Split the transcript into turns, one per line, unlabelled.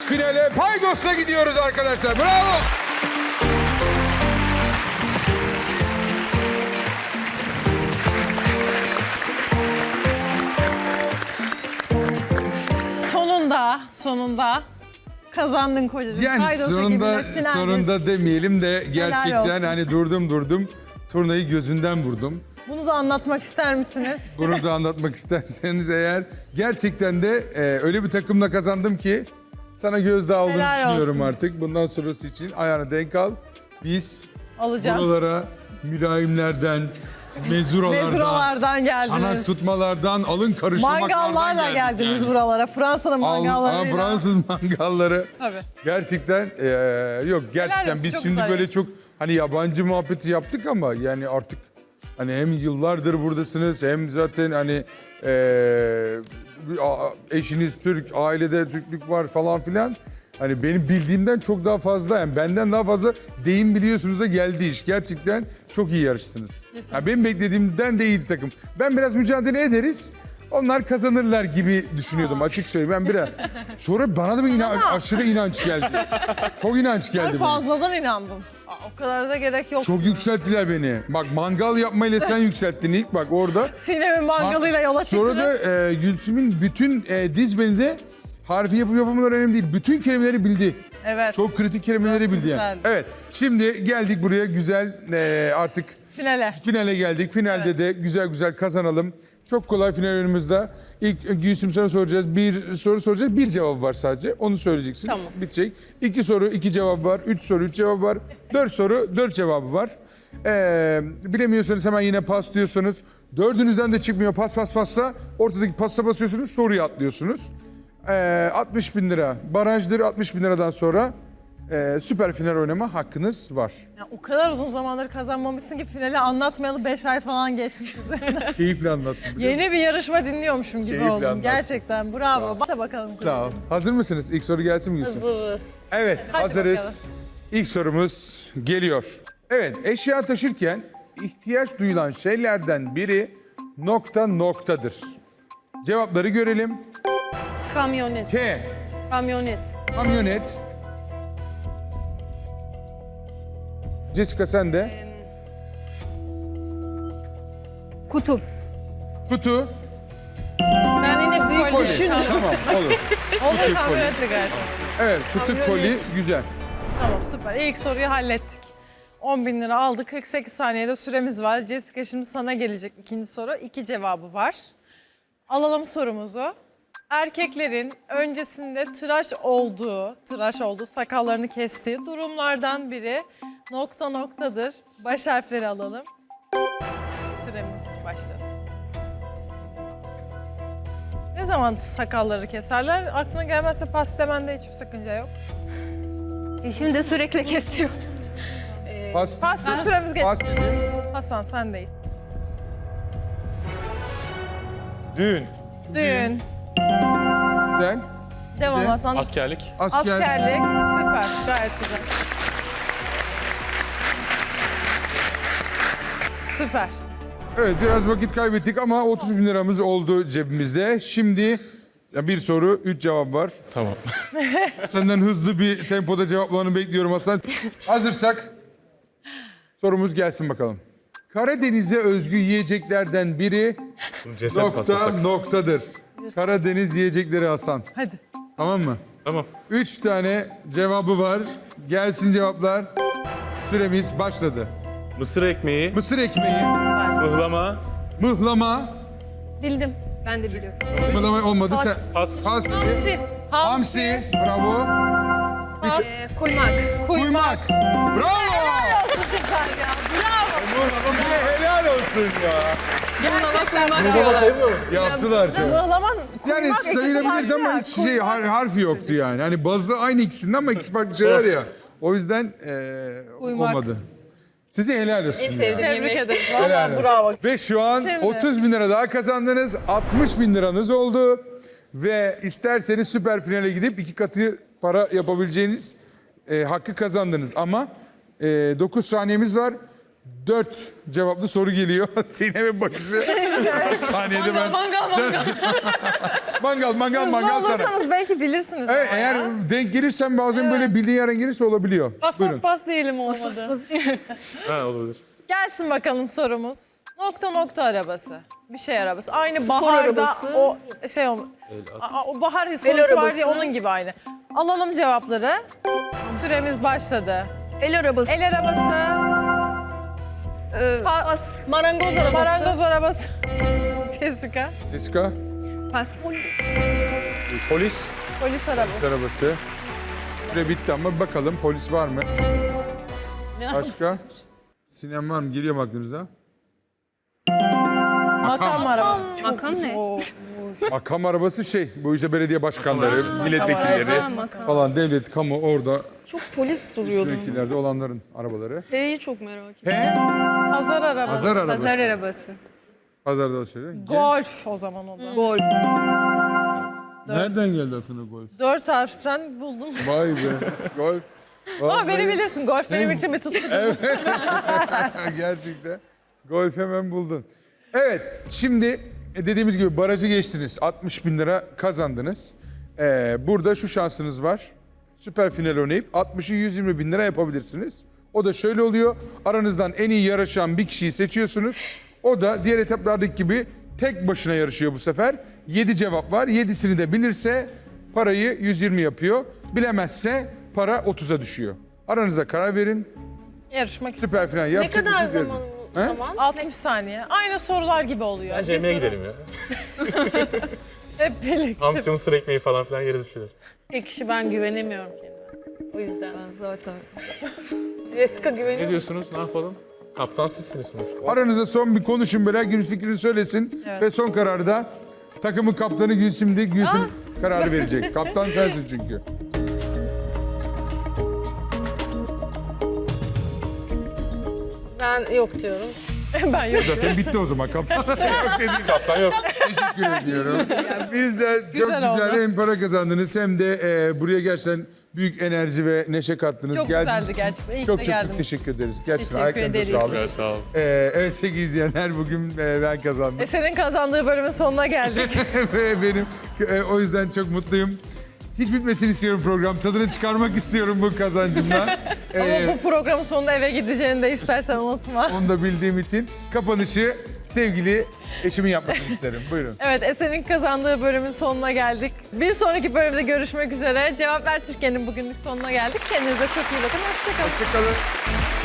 finale Paydos'la gidiyoruz arkadaşlar. Bravo.
Sonunda kazandın kocacığım.
Yani
Paydos'a gibiler, finaldesin.
sonunda demeyelim de gerçekten
olsun.
hani durdum. Turnayı gözünden vurdum.
Bunu da anlatmak ister misiniz?
Bunu da anlatmak isterseniz eğer gerçekten de öyle bir takımla kazandım ki sana gözdağı olduğunu
Helal
düşünüyorum
olsun.
artık. Bundan sonrası için ayağına denk al. Biz
Alacağız.
buralara mülayimlerden,
Mezuralardan geldiniz.
anak tutmalardan, alın karıştırmaklardan
Mangallarla
geldik
geldiniz
yani.
buralara. Fransa'nın mangallarıyla.
Fransız mangalları.
Tabii.
Gerçekten yok gerçekten
olsun,
biz
çok
şimdi
güzel
böyle
geçti.
çok hani yabancı muhabbeti yaptık ama yani artık hani hem yıllardır buradasınız hem zaten hani eşiniz Türk, ailede Türklük var falan filan. Hani benim bildiğimden çok daha fazla yani benden daha fazla deyim biliyorsunuz'a geldi iş. Gerçekten çok iyi yarıştınız. Yani benim beklediğimden de iyiydi takım. Ben biraz mücadele ederiz. Onlar kazanırlar gibi düşünüyordum açık söyleyeyim. Ben biraz. Sonra bana da bir aşırı inanç geldi. Çok inanç geldi
Sen
bana.
fazladan inandın. O kadar da gerek yok.
Çok yükselttiler beni. Bak mangal yapmayla sen yükselttin ilk bak orada.
Sinem'in mangalıyla yola çıktınız.
Sonra da Gülsüm'ün bütün dizbeni de harfi yapıp yapamaları önemli değil. Bütün kelimeleri bildi.
Evet.
Çok kritik kelimeleri
Nasıl
bildi yani.
güzeldi.
Evet şimdi geldik buraya güzel artık finale geldik. Finalde de güzel kazanalım. Çok kolay final önümüzde. İlk Gülsüm sana soracağız. Bir soru soracağız. Bir cevap var sadece. Onu söyleyeceksin.
Tamam.
Bitecek. 2 soru 2 cevap var. 3 soru 3 cevap var. 4 soru 4 cevabı var. Bilemiyorsanız hemen yine pas diyorsunuz. Dördünüzden de çıkmıyor passa ortadaki pasta basıyorsunuz soruyu atlıyorsunuz. 60 bin lira barajdır. 60 bin liradan sonra süper final oynama hakkınız var.
Ya, o kadar uzun zamandır kazanmamışsın ki finali anlatmayalı 5 ay falan geçmiş üzerinden.
Keyifle anlattım. biliyor musun?
Yeni bir yarışma dinliyormuşum gibi
Keyifle
oldum.
anlattın.
Gerçekten bravo. Bak bakalım.
Sağ ol. Hazır mısınız? İlk soru gelsin mi Gülsüm?
Hazırız.
Evet,
Hadi
hazırız.
bakalım.
İlk sorumuz geliyor. Evet, eşya taşırken ihtiyaç duyulan şeylerden biri noktadır. Cevapları görelim.
Kamyonet.
K,
Kamyonet.
kamyonet. Jessica sen de.
Kutu.
Kutu,
Ben yine büyük
koli.
düşün.
Tamam, olur.
Olur kamyonetli galiba.
Evet, kutu,
Kamyonet.
koli, güzel.
Tamam süper. İlk soruyu hallettik. 10 bin lira aldık. 48 saniyede süremiz var. Jessica şimdi sana gelecek ikinci soru. 2 cevabı var. Alalım sorumuzu. Erkeklerin öncesinde tıraş olduğu, sakallarını kestiği durumlardan biri noktadır. Baş harfleri alalım. Süremiz başladı. Ne zaman sakalları keserler? Aklına gelmezse pas demende hiçbir sakınca yok.
Eşim de sürekli kesiyor.
Pas,
Paslı süremiz geçti.
pas dedi.
Hasan sendeyiz.
Düğün,
Düğün,
Güzel.
devam
de-
Hasan.
askerlik,
Askerlik, süper, gayet güzel. Süper.
Evet, biraz vakit kaybettik ama 30 bin liramız oldu cebimizde. Şimdi bir soru, 3 cevap var.
tamam.
Senden hızlı bir tempoda cevaplarını bekliyorum Hasan. Hazırsak sorumuz gelsin bakalım. Karadeniz'e özgü yiyeceklerden biri
Ceset pastası.
noktadır. Karadeniz yiyecekleri Hasan.
Hadi.
Tamam mı?
Tamam.
3 tane cevabı var. Gelsin cevaplar. Süremiz başladı.
Mısır ekmeği,
Mısır ekmeği,
mıhlama,
mıhlama.
Bildim. Ben de biliyorum.
Mıhlama olmadı.
Pas.
Sen
pas,
pas dedi.
Hamsi.
Hamsi. Bravo.
Pas. Kuymak.
Kuymak. Bravo.
Süper ya, bravo.
Size helal olsun ya.
Gerçekten bravo.
Yaptılar çok.
Mıhlaman,
Yani
kuymak ikisi
sayılabilirdi
farklı
ama
ya.
hiç harfi yoktu yani. Hani bazı aynı ikisinden ama ikisi farklı şeyler ya. O yüzden
Uyumak.
olmadı. Size helal olsun ya.
Tebrik ederiz.
Helal
Valla
olsun.
bravo.
Ve şu an
Şimdi-
30 bin lira daha kazandınız. 60 bin liranız oldu. Ve isterseniz süper finale gidip 2 katı para yapabileceğiniz hakkı kazandınız. Ama 9 saniyemiz var. 4 cevaplı soru geliyor. Sinem'in bakışı. Saniyede ben...
Mangal
Mangal
Hızlı
sana.
olursanız belki bilirsiniz.
Evet,
ama
eğer
ya.
denk gelirsen bazen böyle bildiğin yerden gelirse olabiliyor.
Bas
Buyurun.
bas bas diyelim olmadı.
Ha olabilir.
Gelsin bakalım sorumuz. Nokta arabası. Bir şey arabası. Aynı baharda
arabası.
o şey o bahar sorusu var
arabası.
diye onun gibi aynı. Alalım cevapları. Süremiz başladı.
El arabası.
El arabası,
Pas.
Marangoz arabası.
marangoz arabası. Jessica,
Jessica,
Pas.
Polis.
polis arabası.
arabası. Süre bitti ama bakalım polis var mı? Başka? Sinem var mı? Geliyor mu aklınıza?
Makam arabası.
Makam ne?
Makam arabası şey, bu işte belediye başkanları, milletvekilleri
makam.
falan, devlet, kamu orada
Çok polis duruyordu.
vekillerde olanların arabaları.
H'yi çok merak ettim.
He?
Pazar arabası.
Pazar arabası.
Pazar arabası.
Pazarda söyle.
Golf o zaman o da.
Gol.
Nereden geldi aklına golf?
4 harften buldum.
Vay be. Golf.
Ama beni bilirsin. Golf benim için bir tutku.
Gerçekten. Golf hemen buldun. Evet, şimdi dediğimiz gibi barajı geçtiniz. 60 bin lira kazandınız. Burada şu şansınız var. Süper final oynayıp 60'ı 120 bin lira yapabilirsiniz. O da şöyle oluyor. Aranızdan en iyi yarışan bir kişiyi seçiyorsunuz. O da diğer etaplardaki gibi tek başına yarışıyor bu sefer. 7 cevap var. 7'sini de bilirse parayı 120 yapıyor. Bilemezse para 30'a düşüyor. Aranızda karar verin.
Yarışmak istiyorum.
Süper final
Ne
yapacak
kadar
mısınız?
zaman
He?
zaman?
60 saniye. Aynı sorular gibi oluyor.
Bence
Bir
yemeğe
soru-
gidelim ya.
Hep birlikte.
Hamsi mısır ekmeği falan filan yeriz bir şeyler.
Tek kişi ben güvenemiyorum kendime. O yüzden.
Ben zaten.
Jessica
Ne
güveniyor.
diyorsunuz? Ne yapalım? Kaptan sizsiniz sonuçta.
Aranızda son bir konuşun böyle. Herkes fikrini söylesin. Ve son kararı da takımın kaptanı Gülsüm değil. Gülsüm kararı verecek. Kaptan sensin çünkü.
Ben yok diyorum.
Ben yok.
Zaten bitti o zaman kaptan. Yok dedi.
Kaptan yok.
Teşekkür ediyorum. Biz de çok
Güzel
güzel
oldu.
hem para kazandınız hem de buraya gerçekten büyük enerji ve neşe kattınız.
Çok
Geldiğiniz
güzeldi
için
gerçekten. İyi ki
çok
de
çok çok
geldiniz.
teşekkür ederiz. Gerçekten
Teşekkür
ayaklarınıza
ederiz.
sağlık.
Güzel sağ olun.
Evet sevgili izleyenler bugün ben kazandım.
Eser'in kazandığı bölümün sonuna geldik.
Ve benim o yüzden çok mutluyum. Hiç bitmesini istiyorum program. Tadını çıkarmak istiyorum bu kazancımdan.
Ama bu programın sonunda eve gideceğini de istersen unutma.
Onu da bildiğim için kapanışı sevgili eşimin yapmasını isterim. Buyurun.
Evet, Eser'in kazandığı bölümün sonuna geldik. Bir sonraki bölümde görüşmek üzere. Cevap Ver Türkiye'nin bugünlük sonuna geldik. Kendinize çok iyi bakın. Hoşçakalın.
Hoşçakalın.